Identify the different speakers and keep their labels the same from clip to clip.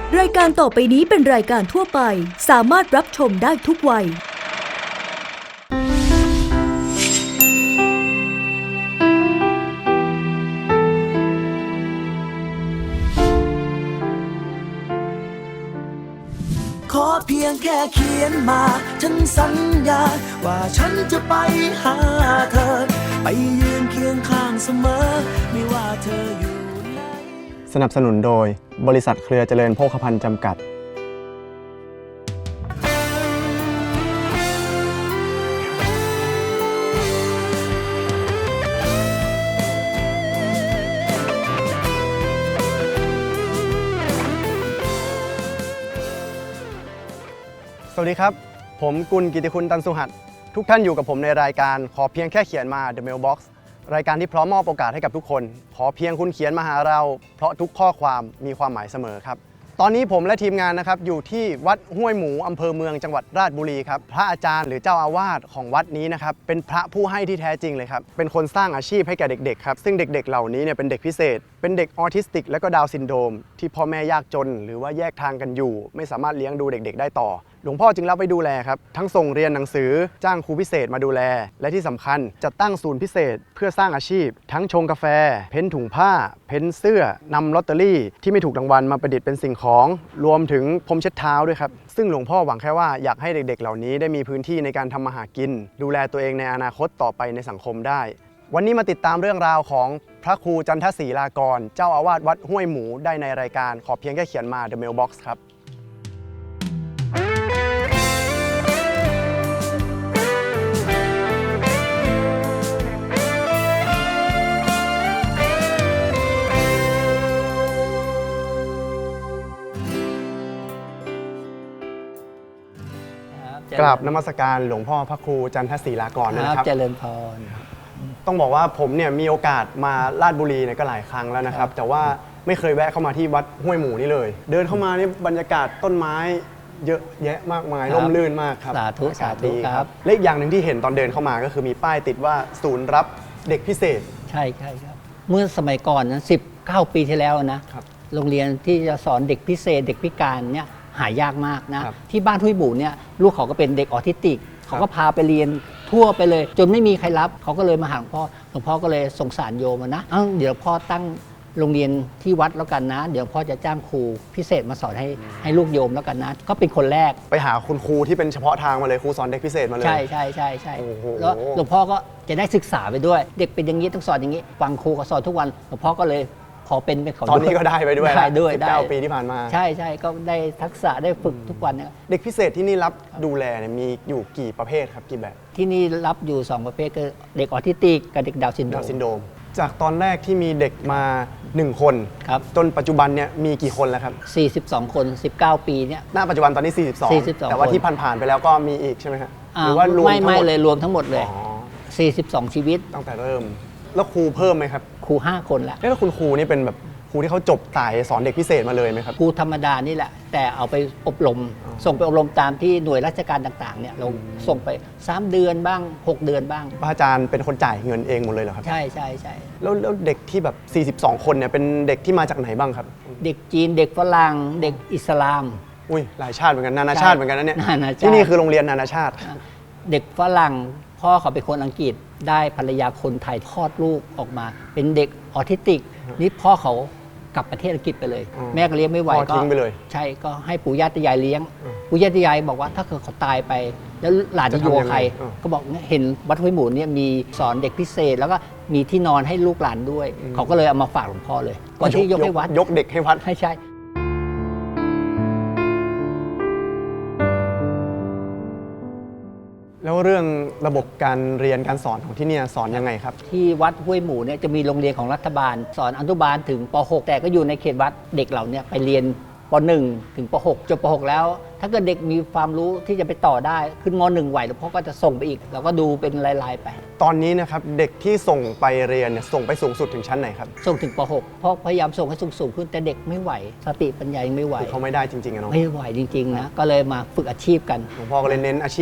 Speaker 1: รายการต่อไปนี้เป็นรายการทั่วไปสามารถรับชมได้ทุกวัย
Speaker 2: ขอเพียงแค่เขียนมาฉันสัญญาว่าฉันจะไปหาเธอไปยืนเคียงข้างเสมอไม่ว่าเธออยู่ไหน
Speaker 3: สนับสนุนโดยบริษัทเครือเจริญโภคภัณฑ์จำกัดสวัสดีครับผมกุลกิติคุณตันสุหัสทุกท่านอยู่กับผมในรายการขอเพียงแค่เขียนมา The Mailbox รายการที่พร้อมมอบโอกาสให้กับทุกคนขอเพียงคุณเขียนมาหาเราเพราะทุกข้อความมีความหมายเสมอครับตอนนี้ผมและทีมงานนะครับอยู่ที่วัดห้วยหมูอำเภอเมืองจังหวัดราชบุรีครับพระอาจารย์หรือเจ้าอาวาสของวัดนี้นะครับเป็นพระผู้ให้ที่แท้จริงเลยครับเป็นคนสร้างอาชีพให้แก่เด็กๆครับซึ่งเด็กๆเหล่านี้เนี่ยเป็นเด็กพิเศษเป็นเด็กออทิสติกและก็ดาวน์ซินโดรมที่พ่อแม่ยากจนหรือว่าแยกทางกันอยู่ไม่สามารถเลี้ยงดูเด็กๆได้ต่อหลวงพ่อจึงรับไปดูแลครับทั้งส่งเรียนหนังสือจ้างครูพิเศษมาดูแลและที่สำคัญจัดตั้งศูนย์พิเศษเพื่อสร้างอาชีพทั้งชงกาแฟเพ้นถุงผ้าเพ้นเสื้อนำลอตเตอรี่ที่ไม่ถูกรางวัลมาประดิษฐ์เป็นสิ่งของรวมถึงพรมเช็ดเท้าด้วยครับซึ่งหลวงพ่อหวังแค่ว่าอยากให้เด็กๆเหล่านี้ได้มีพื้นที่ในการทำมาหากินดูแลตัวเองในอนาคตต่อไปในสังคมได้วันนี้มาติดตามเรื่องราวของพระครูจันทศรีลากรเจ้าอาวาสวัดห้วยหมูได้ในรายการขอเพียงแค่เขียนมา The Mailbox ครับกราบนมัสการหลวงพ่อพระครูจันทศรีลากรนะครับ
Speaker 4: เจริญพร
Speaker 3: ต้องบอกว่าผมเนี่ยมีโอกาสมาราชบุรีเนี่ยก็หลายครั้งแล้วนะครับแต่ว่าไม่เคยแวะเข้ามาที่วัดห้วยหมูนี่เลยเดินเข้ามานี่บรรยากาศต้นไม้เยอะแยะมากมายร่มรื่นมากครับ
Speaker 4: สาธุสาธุครับ
Speaker 3: และอีกอย่างหนึ่งที่เห็นตอนเดินเข้ามาก็คือมีป้ายติดว่าศูนย์รับเด็กพิเศษ
Speaker 4: ใช่ครับเมื่อสมัยก่อนนะ19 ปีที่แล้วนะโรงเรียนที่จะสอนเด็กพิเศษเด็กพิการเนี่ยหายากมากนะที่บ้านห้วยหมูเนี่ยลูกเขาก็เป็นเด็กออทิสติกเขาก็พาไปเรียนทั่วไปเลยจนไม่มีใครรับเขาก็เลยมาหาหลวงพ่อก็เลยสงสารโยมนะเดี๋ยวพ่อตั้งโรงเรียนที่วัดแล้วกันนะเดี๋ยวพ่อจะจ้างครูพิเศษมาสอนให้ลูกโยมแล้วกันนะก็เป็นคนแรก
Speaker 3: ไปหาคุณครูที่เป็นเฉพาะทางมาเลยครูสอนเด็กพิเศษมาเลย
Speaker 4: ใช่แล้วหลวงพ่อก็จะได้ศึกษาไปด้วยเด็กเป็นอย่างนี้ต้องสอนอย่างนี้ฟังครูก็สอนทุกวันหลวงพ่อก็เลยขอเป็นเขา
Speaker 3: ตอนนี้ก็ได้ไปด้วย
Speaker 4: 19
Speaker 3: ปีที่ผ่านมา
Speaker 4: ใช่ก็ได้ทักษะได้ฝึกทุกวันเนี่ย
Speaker 3: เด็กพิเศษที่นี่รับดูแลเนี่ยมีอยู่กี่ประเภทครับกี่แบบ
Speaker 4: ที่นี่รับอยู่2ประเภทคือเด็กออทิสติกกับเด็กดาวน์ซินโดรม
Speaker 3: จากตอนแรกที่มีเด็กมา1คนจนปัจจุบันเนี่ยมีกี่คนแล้วครับ
Speaker 4: 42 คน19 ปีเนี่ย
Speaker 3: ณปัจจุบันตอนนี้42แต่ว่าที่ผ่านๆไปแล้วก็มีอีกใช่ไหมครับหรือว่ารวมทั้งหมด
Speaker 4: เลยรวมทั้งหมดเลย42 ชีวิต
Speaker 3: ตั้งแต่เริ่มแล้วครูเพิ่มไหมครับ
Speaker 4: ครู5 คน
Speaker 3: แล้วคุณครูนี่เป็นแบบครูที่เขาจบสายสอนเด็กพิเศษมาเลยไหมครับ
Speaker 4: ครูธรรมดานี่แหละแต่เอาไปอบรมส่งไปอบรมตามที่หน่วยราชการต่างๆเนี่ยเราส่งไป3 เดือนบ้าง6 เดือนบ้าง
Speaker 3: พระอาจารย์เป็นคนจ่ายเงินเองหมดเลยเหรอครับ
Speaker 4: ใช่
Speaker 3: แล้วเด็กที่แบบ42 คนเนี่ยเป็นเด็กที่มาจากไหนบ้างครับ
Speaker 4: เด็กจีนเด็กฝรั่งเด็กอิสลาม
Speaker 3: อุ้ยหลายชาติเหมือนกันนานาชาติเหมือนกันนะเนี่ยที่นี่คือโรงเรียนนานาชาติ
Speaker 4: เด็กฝรั่งพ่อเขาเป็นคนอังกฤษได้ภรรยาคนไทยคลอดลูกออกมาเป็นเด็กออทิสติกนี่พ่อเขากลับประเทศอังกฤษไปเลยแม่ก็เลี้ยงไม่ไหว
Speaker 3: ก็ทิ้งไปเลย
Speaker 4: ใช่ก็ให้ปู่ย่าตายายเลี้ยงปู่ย่าตายายบอกว่าถ้าเกิดเขาตายไปแล้วหลานจะอยู่กับใครก็บอกเห็นวัดห้วยหมูเนี่ยมีสอนเด็กพิเศษแล้วก็มีที่นอนให้ลูกหลานด้วยเขาก็เลยเอามาฝากหลวงพ่อเลยก่อนที่ยกให้วัด
Speaker 3: ยกเด็กให้วัด
Speaker 4: ใช่
Speaker 3: แล้วเรื่องระบบการเรียนการสอนของที่นี่สอนยังไงครับ
Speaker 4: ที่วัดห้วยหมูเนี่ยจะมีโรงเรียนของรัฐบาลสอนอนุบาลถึงป .6 แต่ก็อยู่ในเขตวัดเด็กเราเนี่ยไปเรียนป .1 ถึงป .6 จบป .6 แล้วถ้าเกิดเด็กมีความรู้ที่จะไปต่อได้ขึ้นม .1 ไหวแล้วพ่อก็จะส่งไปอีกเราก็ดูเป็นรายๆไป
Speaker 3: ตอนนี้นะครับเด็กที่ส่งไปเรียนเนี่ยส่งไปสูงสุดถึงชั้นไหนครับ
Speaker 4: ส่งถึงป .6 เพราะพยายามส่งให้สูงขึ้นแต่เด็กไม่ไหวสติปัญญายังไม่ไหว
Speaker 3: เขาไม่ได้จริงๆนะ
Speaker 4: ไม่ไหวจริงๆนะก็เลยมาฝึกอาชีพกัน
Speaker 3: หลวงพ่อก็เลยเน้นอาชีพ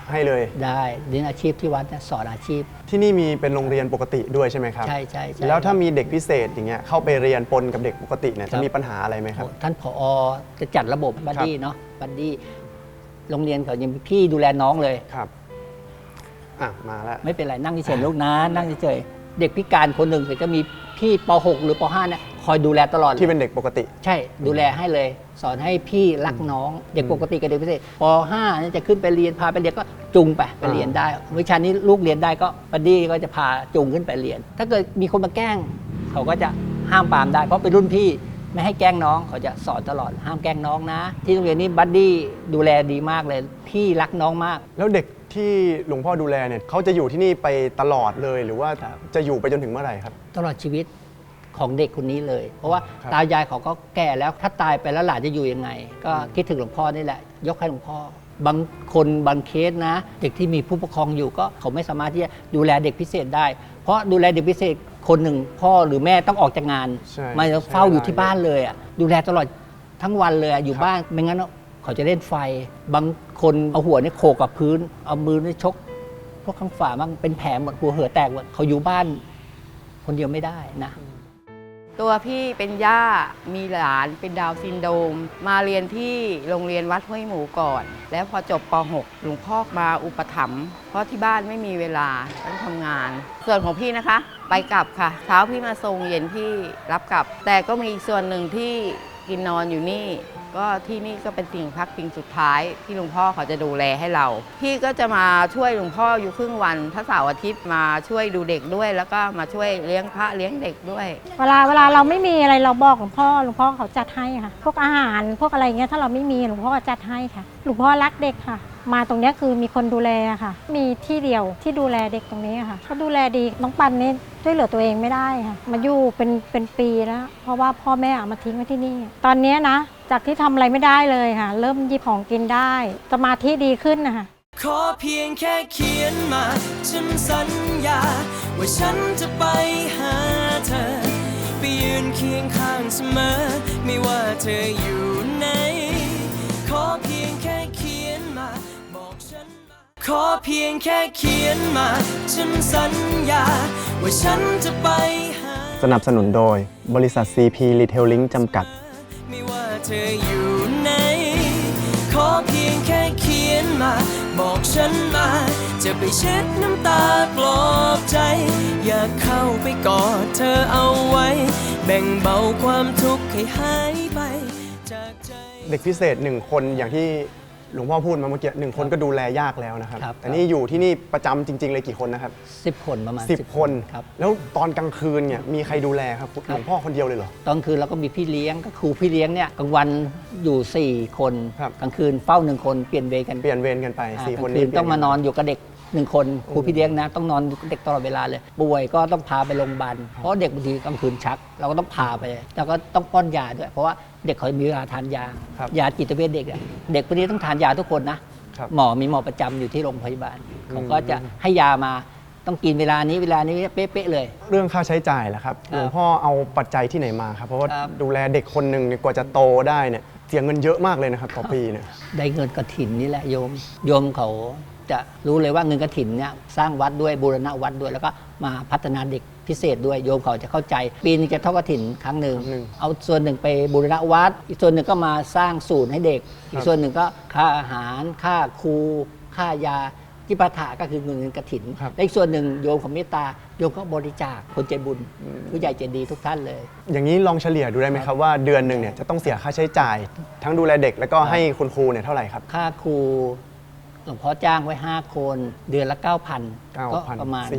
Speaker 3: ให้เลย
Speaker 4: ได้เรียนอาชีพที่วัดเนี่ยสอนอาชีพ
Speaker 3: ที่นี่มีเป็นโรงเรียนปกติด้วยใช่ไหมครับ
Speaker 4: ใช่
Speaker 3: แล้วถ้ามีเด็กพิเศษอย่างเงี้ยเข้าไปเรียนปนกับเด็กปกติเนี่ยจะมีปัญหาอะไรไหมครับ
Speaker 4: ท่านผอจะจัดระบบบัดดี้เนาะบัดดี้โรงเรียนเขายังมีพี่ดูแลน้องเลย
Speaker 3: ครับมาแล้ว
Speaker 4: ไม่เป็นไรนั่งเฉยๆลูกนะนั่งเฉยๆเด็กพิการคนหนึ่งจะมีพี่ป .6 หรือป .5 เนี่ยคอยดูแลตลอด
Speaker 3: ที่เป็นเด็กปกติ
Speaker 4: ใช่ดูแลให้เลยสอนให้พี่รักน้องเด็กปกติกับเด็กพิเศษป .5 นี่จะขึ้นไปเรียนพาไปเรียนก็จูงไปเรียนได้วิชานี้ลูกเรียนได้ก็บัดดี้ก็จะพาจูงขึ้นไปเรียนถ้าเกิดมีคนมาแกล้งเขาก็จะห้ามปรามได้เพราะเป็นรุ่นพี่ไม่ให้แกล้งน้องเขาจะสอนตลอดห้ามแกล้งน้องนะที่โรงเรียนนี้บัดดี้ดูแลดีมากเลยพี่รักน้องมาก
Speaker 3: แล้วเด็กที่หลวงพ่อดูแลเนี่ยเขาจะอยู่ที่นี่ไปตลอดเลยหรือว่าจะอยู่ไปจนถึงเมื่อไหร่ครับ
Speaker 4: ตลอดชีวิตของเด็กคนนี้เลยเพราะว่าตายายเขาก็แก่แล้วถ้าตายไปแล้วหลานจะอยู่ยังไงก็คิดถึงหลวงพ่อนี่แหละยกให้หลวงพ่อบางคนบางเคสนะเด็กที่มีผู้ปกครองอยู่ก็เขาไม่สามารถที่จะดูแลเด็กพิเศษได้เพราะดูแลเด็กพิเศษคนหนึ่งพ่อหรือแม่ต้องออกจากงานมาเฝ้าอยู่ที่บ้านเลยอ่ะดูแลตลอดทั้งวันเลยอยู่บ้านไม่งั้นเขาจะเล่นไฟบางคนเอาหัวนี่โขกกับพื้นเอามือนี่ชกพวกข้างฝาบ้างเป็นแผลหมดหัวเหือแตกหมดเขาอยู่บ้านคนเดียวไม่ได้นะ
Speaker 5: ตัวพี่เป็นย่ามีหลานเป็นดาวน์ซินโดรมมาเรียนที่โรงเรียนวัดห้วยหมูก่อนแล้วพอจบป .6 หลวงพ่อมาอุปถัมภ์เพราะที่บ้านไม่มีเวลาต้องทำงานส่วนของพี่นะคะไปกลับค่ะเช้าพี่มาส่งเย็นพี่รับกลับแต่ก็มีอีกส่วนหนึ่งที่กินนอนอยู่นี่ก็ที่นี่ก็เป็นสิ่งพักพิงสุดท้ายที่หลวงพ่อเขาจะดูแลให้เราพี่ก็จะมาช่วยหลวงพ่ออยู่ครึ่งวันถ้าเสาร์อาทิตย์มาช่วยดูเด็กด้วยแล้วก็มาช่วยเลี้ยงพระเลี้ยงเด็กด้วย
Speaker 6: เวลาเราไม่มีอะไรเราบอกหลวงพ่อเขาจัดให้ค่ะพวกอาหารพวกอะไรเงี้ยถ้าเราไม่มีหลวงพ่อก็จัดให้ค่ะหลวงพ่อรักเด็กค่ะมาตรงนี้คือมีคนดูแลค่ะมีที่เดียวที่ดูแลเด็กตรงนี้ค่ะเขาดูแลดีน้องปันนี่ช่วยเหลือตัวเองไม่ได้ค่ะมาอยู่เป็นปีแล้วเพราะว่าพ่อแม่เอามาทิ้งไว้ที่นี่ตอนนี้นะจากที่ทำอะไรไม่ได้เลยค่ะเริ่มหยิบของกินได้สมาธิดีขึ้นนะคะ
Speaker 2: ขอเพียงแค่เขียนมาฉันสัญญาว่าฉันจะไปหาเธอไปยืนเคียงข้างเสมอไม่ว่าเธออยู่ไหนขอเพียงแค่เขียนมาบอกฉันมาขอเพียงแค่เขียนมาฉันสัญญาว่าฉันจะไปหา
Speaker 3: สนับสนุนโดยบริษัท CP Retailing จำกัด
Speaker 2: ไม่ว่าเธออยู่ไหนขอเพียงแค่เขียนมาบอกฉันมาจะไปเช็ดน้ำตาปลอบใจอยากเข้าไปกอดเธอเอาไว้แบ่งเบาความทุกข์ให้หายไปจากใจ
Speaker 3: เด็กพิเศษ1คนอย่างที่หลวงพ่อพูดมาเมื่อกี้1คนก็ดูแลยากแล้วนะครับแต่นี่อยู่ที่นี่ประจำจริงๆเลยกี่คนนะครับ
Speaker 4: 10 คนประมาณ
Speaker 3: 10 คนครับแล้วตอนกลางคืนเนี่ยมีใครดูแลครับหลวงพ่อคนเดียวเลยเหรอ
Speaker 4: ตอนคืนเราก็มีพี่เลี้ยงก็ครูพี่เลี้ยงเนี่ยกลางวันอยู่4คนกลางคืนเฝ้า1คนเปลี่ยนเวรกันไป
Speaker 3: 4 คน
Speaker 4: นี้ต้องมานอนอยู่กับเด็ก1 คนครูพี่เลี้ยงนะต้องนอนเด็กตลอดเวลาเลยป่วยก็ต้องพาไปโรงพยาบาลเพราะเด็กบางทีกลางคืนชักเราก็ต้องพาไปแล้วก็ต้องป้อนยาด้วยเพราะว่าเด็กเขามีเวลาทานยายาจิตเวชเด็กเด็กพวกนี้ต้องทานยาทุกคนนะหมอมีหมอประจำอยู่ที่โรงพยาบาลเขาก็จะให้ยามาต้องกินเวลานี้เป๊ะๆเลย
Speaker 3: เรื่องค่าใช้จ่ายล่ะครับหลวงพ่อเอาปัจจัยที่ไหนมาครับเพราะว่าดูแลเด็กคนหนึ่งกว่าจะโตได้เนี่ยเสียเงินเยอะมากเลยนะครับต่อปีเนี่ย
Speaker 4: ได้เงินกฐินนี่แหละโยมเขาจะรู้เลยว่าเงินกฐินเนี่ยสร้างวัดด้วยบูรณะวัดด้วยแล้วก็มาพัฒนาเด็กพิเศษด้วยโยมเขาจะเข้าใจปีนึงจะทอดกฐินครั้งหนึ่งเอาส่วนหนึ่งไปบูรณะวัดอีกส่วนหนึ่งก็มาสร้างศูนย์ให้เด็กอีกส่วนหนึ่งก็ค่าอาหารค่าครูค่ายาจิปาถะก็คือเงินกฐินและอีกส่วนหนึ่งโยมของเมตตาโยมก็บริจาคคนใจบุญผู้ใหญ่ใจดีทุกท่านเลย
Speaker 3: อย่างนี้ลองเฉลี่ยดูได้ไหมครับว่าเดือนหนึ่งเนี่ยจะต้องเสียค่าใช้จ่ายทั้งดูแลเด็กแล้วก็ให้คุณครูเนี่ยเท่าไหร่ครับ
Speaker 4: ค่าครูหลวงพ่อจ้างไว้5 คนเดือนละ 9,000 ก็ประมาณ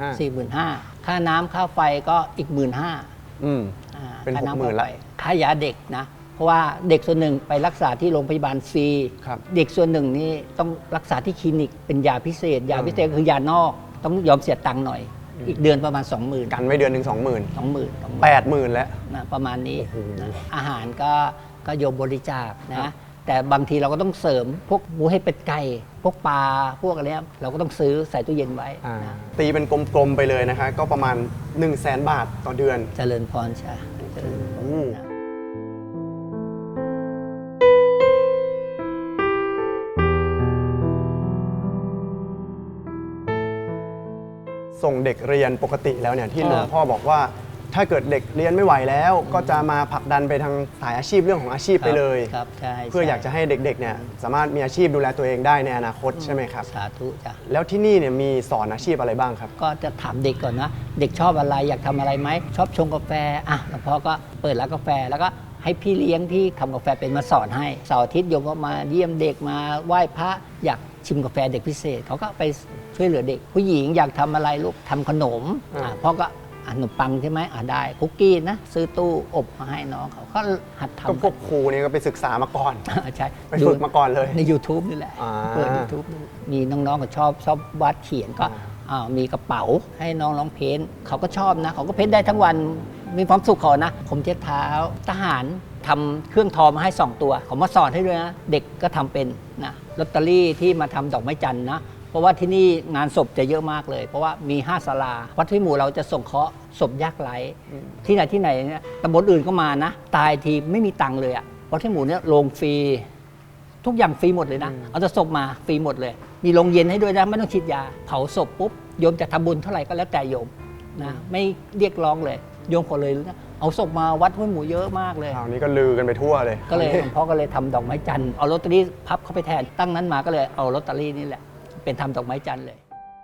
Speaker 4: 45,000 ค่าน้ำค่าไฟก็อีก 15,000
Speaker 3: เป็น 60,000ละ
Speaker 4: ค่ายาเด็กนะเพราะว่าเด็กส่วนหนึ่งไปรักษาที่โรงพยาบาลฟรีเด็กส่วนหนึ่งนี่ต้องรักษาที่คลินิกเป็นยาพิเศษคือยานอกต้องยอมเสียตังค์หน่อยอีกเดือนประมาณ 20,000
Speaker 3: กันไว้เดือนหนึ่ง 20,000 80,000 แล้ว
Speaker 4: ประมาณนี้อาหารก็โยมบริจาคนะแต่บางทีเราก็ต้องเสริมพวกหมูเห็ดเป็ดไก่พวกปลาพวกอะไรเราก็ต้องซื้อใส่ตู้เย็นไว้
Speaker 3: ตีเป็นกลมๆไปเลยนะคะก็ประมาณ 100,000 บาทต่อเดือน
Speaker 4: เจริญพรใช่เจริญพร
Speaker 3: ส่งเด็กเรียนปกติแล้วเนี่ยที่หลวงพ่อบอกว่า ถ้าเกิดเด็กเรียนไม่ไหวแล้ว ก็จะมาผลักดันไปทางสายอาชีพเรื่องของอาชีพไปเลย
Speaker 4: ครับใช่
Speaker 3: เพื่ออยากจะให้เด็กๆเนี่ยสามารถมีอาชีพดูแลตัวเองได้ในอนาคตใช่ไหมครับ
Speaker 4: สาธุจ้ะ
Speaker 3: แล้วที่นี่เนี่ยมีสอนอาชีพอะไรบ้างครับ
Speaker 4: ก็จะถามเด็กก่อนนะ เด็กชอบอะไรอยากทำอะไรไหมชอบชงกาแฟอ่ะหลวงพ่อก็เปิดร้านกาแฟแล้วก็ให้พี่เลี้ยงที่ทำกาแฟเป็นมาสอนให้เสาร์อาทิตย์โยมก็มาเยี่ยมเด็กมาไหว้พระอยากชิมกาแฟเด็กพิเศษเขาก็ไปช่วยเหลือเด็ก ผู้หญิงอยากทำอะไรลูกทำขนมพ่อก็ขนมปังใช่ไหมได้คุกกี้นะซื้อตู้อบมาให้น้องเขาก็หัดทำ
Speaker 3: ก็พวกครูนี่ก็ไปศึกษามาก่อน
Speaker 4: ใช่
Speaker 3: ไปฝึกมาก่อนเลย
Speaker 4: ใน YouTube นี่แหละ
Speaker 3: อ่า
Speaker 4: เปิด YouTube ดูมีน้องๆก็ชอบวาดเขียนก็มีกระเป๋าให้น้องร้องเพ้นท์เขาก็ชอบนะเขาก็เพ้นท์ได้ทั้งวันมีความสุขเขานะผมเช็ดเท้าทหารทำเครื่องทอมาให้ 2 ตัวเขามาสอนให้ด้วยนะเด็กก็ทำเป็นนะลอตเตอรี่ที่มาทำดอกไม้จันทร์นะเพราะว่าที่นี่งานศพจะเยอะมากเลย เพราะว่ามี5ศาลาวัดห้วยหมู่เราจะส่งเคราะห์ศพยากไร้ที่ไหนเนี่ยตำบลอื่นก็มานะตายทีไม่มีตังค์เลยอะวัดห้วยหมู่เนี่ยโรงฟรีทุกอย่างฟรีหมดเลยนะเอาแต่ศพมาฟรีหมดเลยมีโรงเย็นให้ด้วยนะไม่ต้องฉีดยาเผาศพปุ๊บโยมจะทำบุญเท่าไหร่ก็แล้วแต่โยมนะไม่เรียกร้องเลยโยมขอเลยนะเอาศพมาวัดห้วยหมู่เยอะมากเลย
Speaker 3: คราวนี้ก็ลือกันไปทั่วเลย
Speaker 4: ก็เลยหลวงพ่อก็เลยทำดอกไม้จันทร์เอาลอตเตอรี่พับเข้าไปแทนตั้งนั้นมาก็เลยเอาลอตเตอรี่นี่แหละเป็นทำดอกไม้จันทร์เลย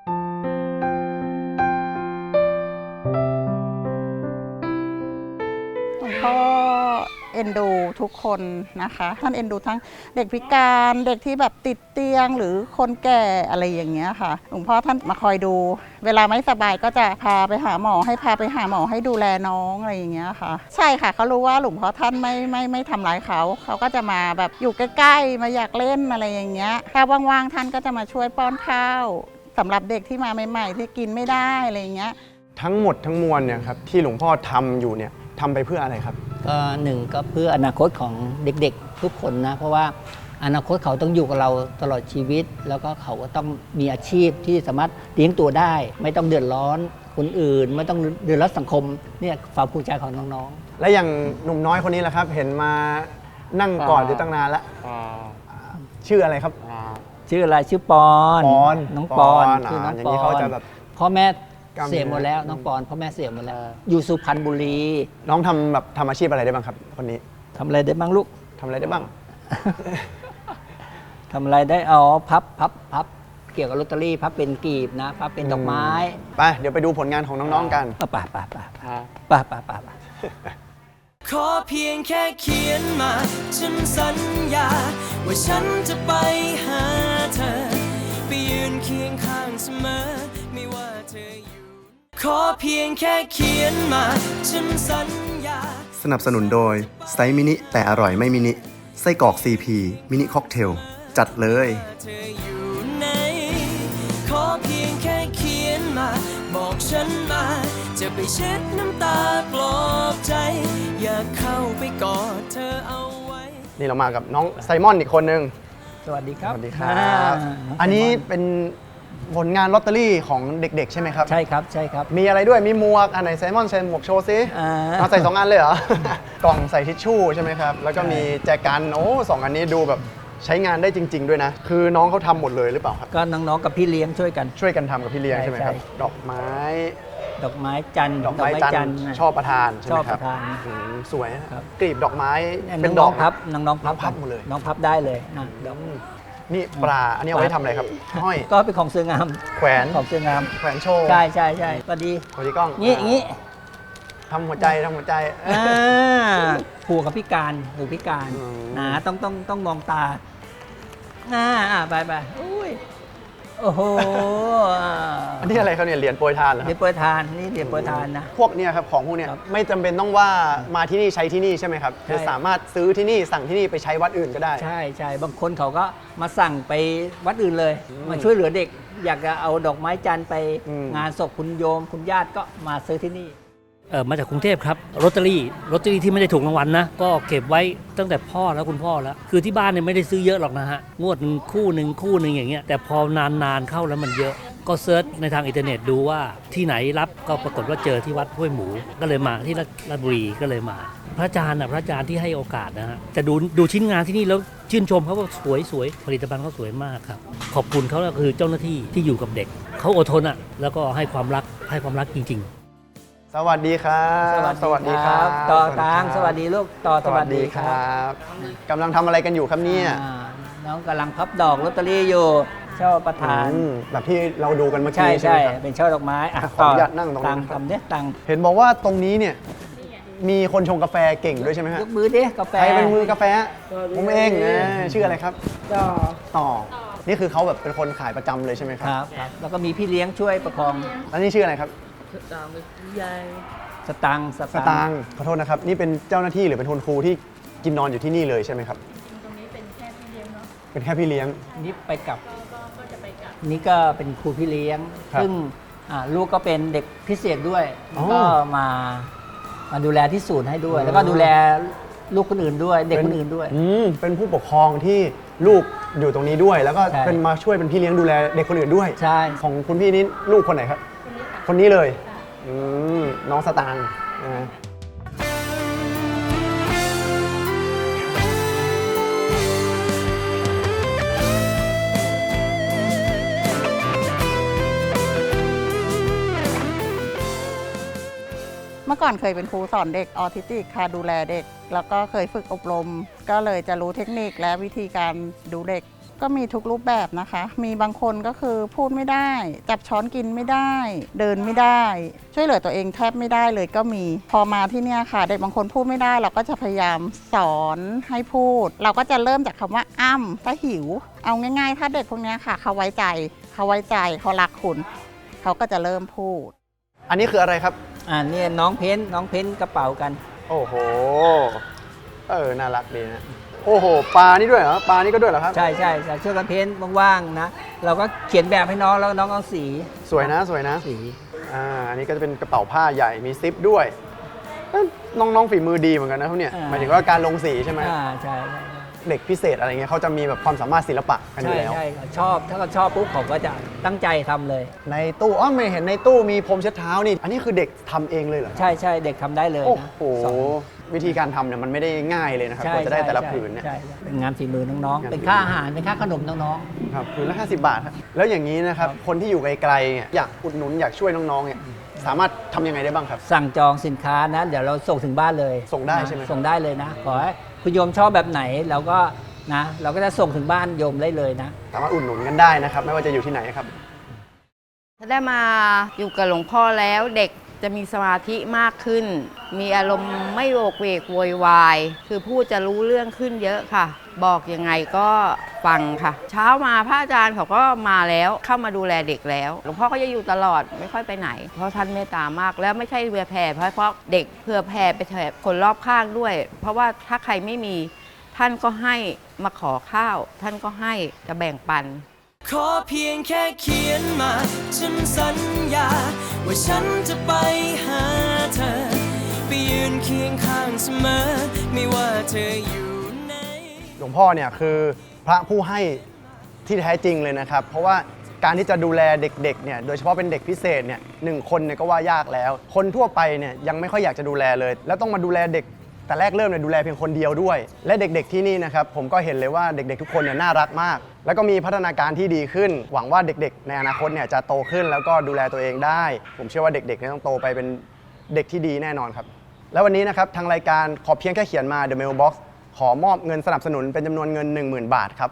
Speaker 7: หลวงพ่อเอ็นดูทุกคนนะคะ ท่านเอ็นดูทั้งเด็กพิการเด็กที่แบบติดเตียงหรือคนแก่อะไรอย่างเงี้ยค่ะหลวงพ่อท่านมาคอยดู เวลาไม่สบายก็จะพาไปหาหมอให้ดูแลน้องอะไรอย่างเงี้ยค่ะ ใช่ค่ะเขารู้ว่าหลวงพ่อท่านไม่ทำร้ายเขาก็จะมาแบบอยู่ใกล้ๆมาอยากเล่นอะไรอย่างเงี้ยถ้าว่างๆท่านก็จะมาช่วยป้อนข้าวสำหรับเด็กที่มาใหม่ๆที่กินไม่ได้อะไรอย่างเงี้ย
Speaker 3: ทั้งหมดทั้งมวลเนี่ยครับที่หลวงพ่อทำอยู่เนี่ยทำไปเพื่ออะไรครับ
Speaker 4: ก็หนึ่งก็เพื่ออนาคตของเด็กๆทุกคนนะเพราะว่าอนาคตเขาต้องอยู่กับเราตลอดชีวิต แล้วก็เขาก็ต้องมีอาชีพที่สามารถเลี้ยงตัวได้ ไม่ต้องเดือดร้อนคนอื่น ไม่ต้องเดือดร้อนสังคมเนี่ยความภูมิใจของน้องๆ
Speaker 3: และอย่างหนุ่มน้อยคนนี้แหละครับ เห็นมานั่งกอดอยู่ตั้งนานแล้วชื่ออะไรครับ
Speaker 4: ชื่ออะไรชื่อปอน
Speaker 3: ปอน
Speaker 4: น้องปอน
Speaker 3: ปอน
Speaker 4: ชื่อน้อง
Speaker 3: อย่าง
Speaker 4: ป
Speaker 3: นี้
Speaker 4: อ
Speaker 3: เขา
Speaker 4: น
Speaker 3: จะแบบ
Speaker 4: พ่อแม่
Speaker 3: กล้ามเนื้อ
Speaker 4: เสียหมดแล้วน้องปอนพ่อแม่เสียหมดแล้วอยู่สุพรรณบุรี
Speaker 3: น้องทำอาชีพอะไรได้บ้างครับคนนี้
Speaker 4: ทำอะไรได้บ้างลูก
Speaker 3: ทำอะไรได้บ้าง
Speaker 4: ทำอะไรได้อ๋อพับเกี่ยวกับลอตเตอรี่พับเป็นกีบนะพับเป็นดอกไม้
Speaker 3: ไปเดี๋ยวไปดูผลงานของน้องๆกัน
Speaker 4: ป่า
Speaker 2: ขอเพียงแค่เขียนมา ฉันสัญญา ว่าฉันจะไปหาเธอ ไปยืนเคียงข้างเสมอ ไม่ว่าเธออยู่ ขอเพียงแค่เขียนมา ฉันสัญญา
Speaker 3: สนับสนุนโดยไซส์มินิแต่อร่อยไม่มินิไส้กรอก CP มินิค็อกเทลจัดเลย
Speaker 2: เธออยู่ไหน ขอเพียงแค่เขียนมา บอกฉันมา จะไปเช็ดน้ำตาปลอบใจ อยากเข้าไปกอดเธอเอาไว้
Speaker 3: นี่เรามากับน้องไซมอนอีกคนนึง
Speaker 4: สวัสดีครับ
Speaker 3: สวัสดีครับ อันนี้เป็นผลงานลอตเตอรี่ของเด็กๆ ใช่ไหมครับ
Speaker 4: ใช่ครับ
Speaker 3: มีอะไรด้วยมีหมวกอันไหนไซมอนใส่หมวกโชว์ซิ เอาใส่2อันเลยเหรอ กล่องใส่ทิชชู่ใช่ไหมครับ แล้วก็มีแจกันโอ้สองอันนี้ดูแบบใช้งานได้จริง ๆ ด้วยนะ คือน้องเขาทำหมดเลยหรือเปล่าครับ
Speaker 4: ก็น้องๆกับพี่เลี้ยงช่วยกัน
Speaker 3: ช่วยกันทำกับพี่เลี้ยงใช่ไหมครับ
Speaker 4: ใช่
Speaker 3: ดอกไม้
Speaker 4: ดอกไม้จันทร์
Speaker 3: ดอกไม้จันทร์ชอบประทานใช่ไหมครับ
Speaker 4: ชอบประทาน
Speaker 3: สวยนะครับ กลีบดอกไม้ เป็นด
Speaker 4: น้
Speaker 3: อ
Speaker 4: อก งๆพับน้องๆ
Speaker 3: พับหมดเลย
Speaker 4: น้องพับได้เลยนะดอก
Speaker 3: นี่ปลา อันนี้เอาไว้ทำอะไรครับ ห้อย
Speaker 4: ก็เป็นของเสืองาม
Speaker 3: แขวน
Speaker 4: ของเสืองาม
Speaker 3: แขวนโชว์
Speaker 4: ใช่ก็ดี
Speaker 3: สวัสดีกล้อง
Speaker 4: งี้
Speaker 3: ทำหัวใจทำหัวใจ
Speaker 4: ผูกกับพิการหูพิการ
Speaker 3: อืม
Speaker 4: นะต้องมองตาไปอุ้ยโอ้โห
Speaker 3: อันนี้อะไรครับเนี่ยเหรียญโปรยทานเหรอค
Speaker 4: เดี๋
Speaker 3: รั
Speaker 4: ยว
Speaker 3: บ
Speaker 4: โปรยทานนี่เดี๋ยวโปรยทานนะ
Speaker 3: พวกเนี่ยครับของพวกเนี้ย
Speaker 4: ครับ
Speaker 3: ไม่จำเป็นต้องว่ามาที่นี่ใช้ที่นี่ใช่ไหมครับ
Speaker 4: ใช่
Speaker 3: คือสามารถซื้อที่นี่สั่งที่นี่ไปใช้วัดอื่นก็ได้
Speaker 4: ใช่บางคนเขาก็มาสั่งไปวัดอื่นเลย มาช่วยเหลือเด็ก อยากจะเอาดอกไม้จันทร์ไป
Speaker 3: อืม
Speaker 4: งานศพคุณโยมคุณญาติก็มาซื้อที่นี่
Speaker 8: มาจากกรุงเทพครับลอตเตอรี่ที่ไม่ได้ถูกรางวัลนะก็เก็บไว้ตั้งแต่พ่อแล้วคุณพ่อแล้วคือที่บ้านเนี่ยไม่ได้ซื้อเยอะหรอกนะฮะงวดหนึ่งคู่หนึ่งอย่างเงี้ยแต่พอนานเข้าแล้วมันเยอะก็เซิร์ชในทางอินเทอร์เน็ตดูว่าที่ไหนรับก็ปรากฏว่าเจอที่วัดห้วยหมูก็เลยมาที่ราชบุรีก็เลยมา พระอาจารย์ที่ให้โอกาสนะฮะจะดูชิ้นงานที่นี่แล้วชื่นชมเขาว่าสวยผลิตภัณฑ์เขาสวยมากครับขอบคุณเขาก็คือเจ้าหน้าที่ที่อยู่กับเด็กเขาอดทนแล้วก็ให้ความรักจริงๆ
Speaker 3: สวัสดีครับ
Speaker 4: สวัสดีครับต่อตางสวัสดีลูกต่อสวัสดีค
Speaker 3: ค
Speaker 4: รั
Speaker 3: รับ บกำลังทำอะไรกันอยู่ครับเนี่ย
Speaker 4: น้องกำลังพับดอกลอตเตอรี่อยู่ช่อประธาน
Speaker 3: แบบที่เราดูกันเมื่อ
Speaker 4: ใช่
Speaker 3: กี้ใช่ไห
Speaker 4: ใช่
Speaker 3: มครับ
Speaker 4: เป็นช่อดอกไม้อ่ะ
Speaker 3: ขออนุญาตนั่งตรงนี้
Speaker 4: ตัง
Speaker 3: นะครับ
Speaker 4: ทำเนี่ยตัง
Speaker 3: เห็นบอกว่าตรงนี้เนี่ยมีคนชงกาแฟเก่งด้วยใช่ไหมฮะ
Speaker 4: ยกมือดิกาแฟ
Speaker 3: ใครเป็นมือกาแฟผมเองชื่ออะไรครับต่อนี่คือเขาแบบเป็นคนขายประจำเลยใช่ไหมค
Speaker 4: ครับ รับครับแล้วก็มีพี่เลี้ยงช่วยประคอง
Speaker 3: แล้วนี่ชื่ออะไรครับ
Speaker 4: สตังค์
Speaker 3: สตางค์ขอโทษนะครับนี่เป็นเจ้าหน้าที่หรือเป็นคนครูที่กินนอนอยู่ที่นี่เลยใช่ไหมครับตรงนี้เป็นแค่พี่เลี้ยงเนาะเป็นแค่พี่เลี้ยง
Speaker 4: นี่ไปกลับนี่ก็เป็นครูพี่เลี้ยง
Speaker 3: ครับ
Speaker 4: ซึ่งลูกก็เป็นเด็กพิเศษด้วย
Speaker 3: อ๋อ
Speaker 4: ก็มาดูแลที่ศูนย์ให้ด้วย แล้วก็ดูแลลูกคนอื่นด้วย เด็กคนอื่นด้วย
Speaker 3: เป็นผู้ปกครองที่ลูกอยู่ตรงนี้ด้วย แล้วก็
Speaker 4: ใช่
Speaker 3: เป็นมาช่วยเป็นพี่เลี้ยงดูแลเด็กคนอื่นด้วย
Speaker 4: ใช่
Speaker 3: ของคุณพี่นี่ลูกคนไหนครับ คนนี้เลยน้องสตางค์นะฮะ
Speaker 7: เมื่อก่อนเคยเป็นครูสอนเด็กออทิสติกค่ะดูแลเด็ก แล้วก็เคยฝึกอบรม ก็เลยจะรู้เทคนิคและวิธีการดูเด็ก ก็มีทุกรูปแบบนะคะ มีบางคนก็คือพูดไม่ได้ จับช้อนกินไม่ได้ เดินไม่ได้ ช่วยเหลือตัวเองแทบไม่ได้เลยก็มี พอมาที่เนี่ยค่ะ เด็กบางคนพูดไม่ได้ เราก็จะพยายามสอนให้พูด เราก็จะเริ่มจากคำว่าอ้ำถ้าหิว เอาง่ายๆ ถ้าเด็กพวกเนี้ยค่ะเขาไว้ใจเขารักคุณเขาก็จะเริ่มพูด
Speaker 3: อันนี้คืออะไรครับ
Speaker 4: นี่น้องเพ้นกระเป๋ากัน
Speaker 3: โอ้โหน่ารักดีนะโอ้โหปลานี่ด้วยเหรอปลานี่ก็ด้วยเหรอครับ
Speaker 4: ใช่ช่วยกันเพ้นว่างๆนะเราก็เขียนแบบให้น้องแล้วน้องเอาสี
Speaker 3: สวยนะ
Speaker 4: สี
Speaker 3: อันนี้ก็จะเป็นกระเป๋าผ้าใหญ่มีซิปด้วยน้องๆฝีมือดีเหมือนกันนะครับเนี่ยหมายถึงว่าการลงสีใช่ไหม
Speaker 4: ใช่
Speaker 3: เด็กพิเศษอะไรเงี้ยเขาจะมีแบบความสามารถศิลปะกันอยู่แล้ว
Speaker 4: ใช่ชอบถ้าเขาชอบปุ๊บเขาก็จะตั้งใจทำเลย
Speaker 3: ในตู้ไม่เห็นในตู้มีพรมเช็ดเท้านี่ อันนี้คือเด็กทำเองเลยเหรอ
Speaker 4: ใช่เด็กทำได้เลย
Speaker 3: โอ้
Speaker 4: นะ
Speaker 3: โห
Speaker 4: สอน
Speaker 3: วิธีการทำเนี่ยมันไม่ได้ง่ายเลยนะครับกว่าจะได้แต่ละผืนเนี่ย
Speaker 4: ใช่เป็นงานฝีมือน้องๆเป็นค่าอาหารเป็นค่าขนมน้อง
Speaker 3: ครับผืนละ50 บาทครับแล้วอย่างนี้นะครับคนที่อยู่ไกลๆเนี่ยอยากอุดหนุนอยากช่วยน้องๆเนี่ยสามารถทำยังไงได้บ้างครับ
Speaker 4: ๆสั่งจองสินค้านะเดี๋ยวเราส่งถึงบ้านเลย
Speaker 3: ส่งได้ใช่ไหม
Speaker 4: ส่งได้เลยนะขอให้คุณโยมชอบแบบไหนเราก็จะส่งถึงบ้านโยมได้เลยนะ
Speaker 3: สามารถอุดหนุนกันได้นะครับไม่ว่าจะอยู่ที่ไหนครับ
Speaker 5: ถ้าได้มาอยู่กับหลวงพ่อแล้วเด็กจะมีสมาธิมากขึ้น มีอารมณ์ไม่โวกเวกโวยวายคือพูดจะรู้เรื่องขึ้นเยอะค่ะ บอกยังไงก็ฟังค่ะ เช้ามาพระอาจารย์เขาก็มาแล้วเข้ามาดูแลเด็กแล้วหลวงพ่อก็จะอยู่ตลอดไม่ค่อยไปไหน เพราะท่านเมตตามากแล้วไม่ใช่เพื่อแผ่เพราะเด็กเพื่อแผ่ไปแผ่คนรอบข้างด้วย เพราะว่าถ้าใครไม่มีท่านก็ให้มาขอข้าว ท่านก็ให้จะแบ่งปัน
Speaker 2: ขอเพียงแค่เขียนมาฉันสัญญาว่าฉันจะไปหาเธอไปยืนเคียงข้างเสมอไม่ว่าเธออยู่ไหน
Speaker 3: หลวงพ่อเนี่ยคือพระผู้ให้ที่แท้จริงเลยนะครับ เพราะว่าการที่จะดูแลเด็กๆเนี่ยโดยเฉพาะเป็นเด็กพิเศษเนี่ย1 คนเนี่ยก็ว่ายากแล้ว คนทั่วไปเนี่ยยังไม่ค่อยอยากจะดูแลเลย แล้วต้องมาดูแลเด็กแต่แรกเริ่มเนี่ยดูแลเพียงคนเดียวด้วย และเด็กๆที่นี่นะครับผมก็เห็นเลยว่าเด็กๆทุกคนเนี่ยน่ารักมาก แล้วก็มีพัฒนาการที่ดีขึ้น หวังว่าเด็กๆในอนาคตเนี่ยจะโตขึ้นแล้วก็ดูแลตัวเองได้ ผมเชื่อว่าเด็กๆเนี่ยต้องโตไปเป็นเด็กที่ดีแน่นอนครับแล้ววันนี้นะครับทางรายการขอเพียงแค่เขียนมา The Mailbox ขอมอบเงินสนับสนุนเป็นจำนวนเงิน 10,000 บาทครับ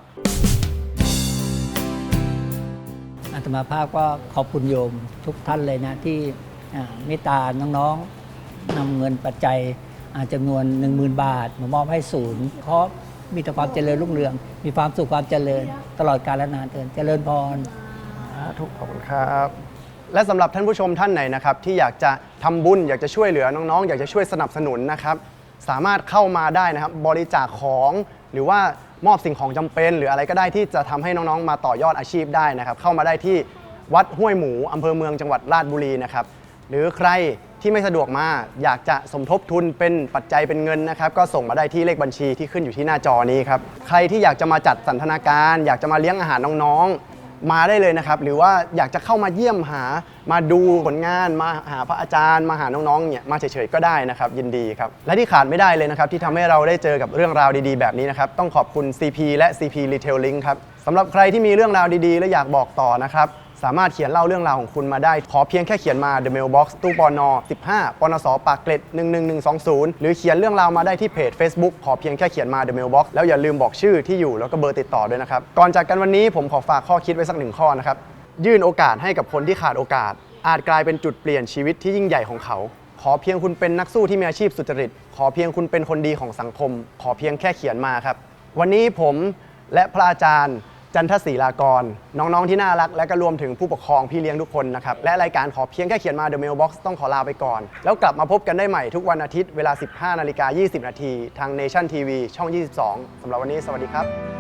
Speaker 4: อาตมาภาพก็ขอบคุณโยมทุกท่านเลยนะที่เมตตาน้องๆนำเงินปัจจัยจำนวน 10,000 บาทมามอบให้ศูนย์เพราะมีแต่ความเจริญรุ่งเรือง มีความสุขความเจริญตลอดกาลนานเจริญพร
Speaker 3: ทุกขอบคุณครับ และสำหรับท่านผู้ชมท่านไหนนะครับที่อยากจะทำบุญอยากจะช่วยเหลือน้องๆอยากจะช่วยสนับสนุนนะครับสามารถเข้ามาได้นะครับบริจาคของหรือว่ามอบสิ่งของจำเป็น หรืออะไรก็ได้ที่จะทำให้น้องๆมาต่อยอดอาชีพได้นะครับเข้ามาได้ที่วัดห้วยหมูอำเภอเมืองจังหวัดราชบุรีนะครับหรือใครที่ไม่สะดวกมาอยากจะสมทบทุนเป็นปัจจัยเป็นเงินนะครับก็ส่งมาได้ที่เลขบัญชีที่ขึ้นอยู่ที่หน้าจอนี้ครับใครที่อยากจะมาจัดสันทนาการอยากจะมาเลี้ยงอาหารน้องๆมาได้เลยนะครับหรือว่าอยากจะเข้ามาเยี่ยมหามาดูผลงานมาหาพระอาจารย์มาหาน้องๆเนี่ยมาเฉยๆก็ได้นะครับยินดีครับและที่ขาดไม่ได้เลยนะครับที่ทำให้เราได้เจอกับเรื่องราวดีๆแบบนี้นะครับต้องขอบคุณ CP และ CP Retailing ครับสำหรับใครที่มีเรื่องราวดีๆและอยากบอกต่อนะครับสามารถเขียนเล่าเรื่องราวของคุณมาได้ขอเพียงแค่เขียนมา The Mailbox ตู้ปน15ปนสปากเกร็ด11120หรือเขียนเรื่องราวมาได้ที่เพจ Facebook ขอเพียงแค่เขียนมา The Mailbox แล้วอย่าลืมบอกชื่อที่อยู่แล้วก็เบอร์ติดต่อด้วยนะครับก่อนจากกันวันนี้ผมขอฝากข้อคิดไว้สักหนึ่งข้อนะครับยื่นโอกาสให้กับคนที่ขาดโอกาสอาจกลายเป็นจุดเปลี่ยนชีวิตที่ยิ่งใหญ่ของเขาขอเพียงคุณเป็นนักสู้ที่มีอาชีพสุจริตขอเพียงคุณเป็นคนดีของสังคมขอเพียงแค่เขียนมาครับวันนี้ผมและพระอาจารย์จันทศรีลากรน้องๆที่น่ารักและก็รวมถึงผู้ปกครองพี่เลี้ยงทุกคนนะครับและรายการขอเพียงแค่เขียนมา The Mailbox ต้องขอลาไปก่อนแล้วกลับมาพบกันได้ใหม่ทุกวันอาทิตย์เวลา 15:20 น.ทาง Nation TV ช่อง 22 สำหรับวันนี้สวัสดีครับ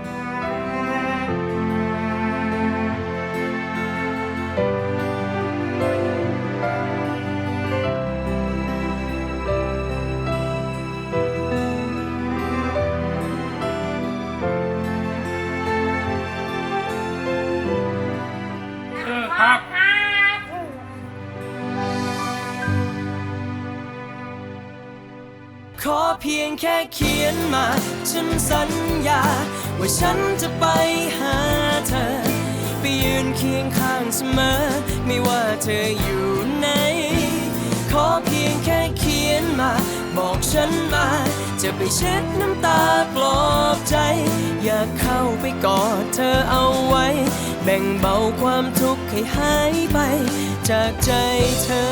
Speaker 2: ขอเพียงแค่เขียนมาฉันสัญญาว่าฉันจะไปหาเธอไปยืนเคียงข้างเสมอไม่ว่าเธออยู่ไหนขอเพียงแค่เขียนมาบอกฉันมาจะไปเช็ดน้ำตาปลอบใจอยากเข้าไปกอดเธอเอาไว้แบ่งเบาความทุกข์ให้หายไปจากใจเธอ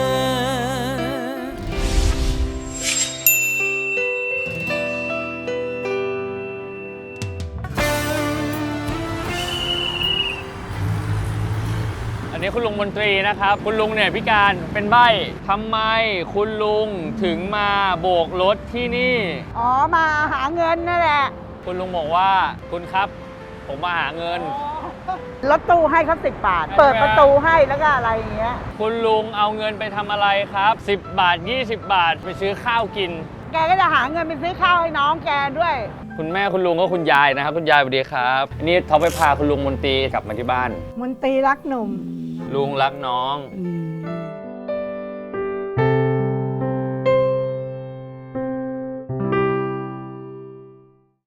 Speaker 9: อันนี้คุณลุงมนตรีนะครับคุณลุงเนี่ยพิการเป็นใบ้ทำไมคุณลุงถึงมาโบกรถที่นี่
Speaker 10: อ๋อมาหาเงินนั่นแหละ
Speaker 9: คุณลุงบอกว่าคุณครับผมมาหาเงิน
Speaker 10: รถตู้ให้เขา10 บาท เปิดประตูให้แล้วก็อะไรอย่างเงี้ย
Speaker 9: คุณลุงเอาเงินไปทำอะไรครับ10 บาท20 บาทไปซื้อข้าวกิน
Speaker 10: แกก็จะหาเงินไปซื้อข้าวให้น้องแกด้วย
Speaker 9: คุณแม่คุณลุงก็คุณยายนะครับคุณยายสวัสดีครับอันนี้เขาไปพาคุณลุงมนตรีกลับมาที่บ้าน
Speaker 10: มนตรีรักหนุ่ม
Speaker 9: ลุงรักน้อง
Speaker 10: อืม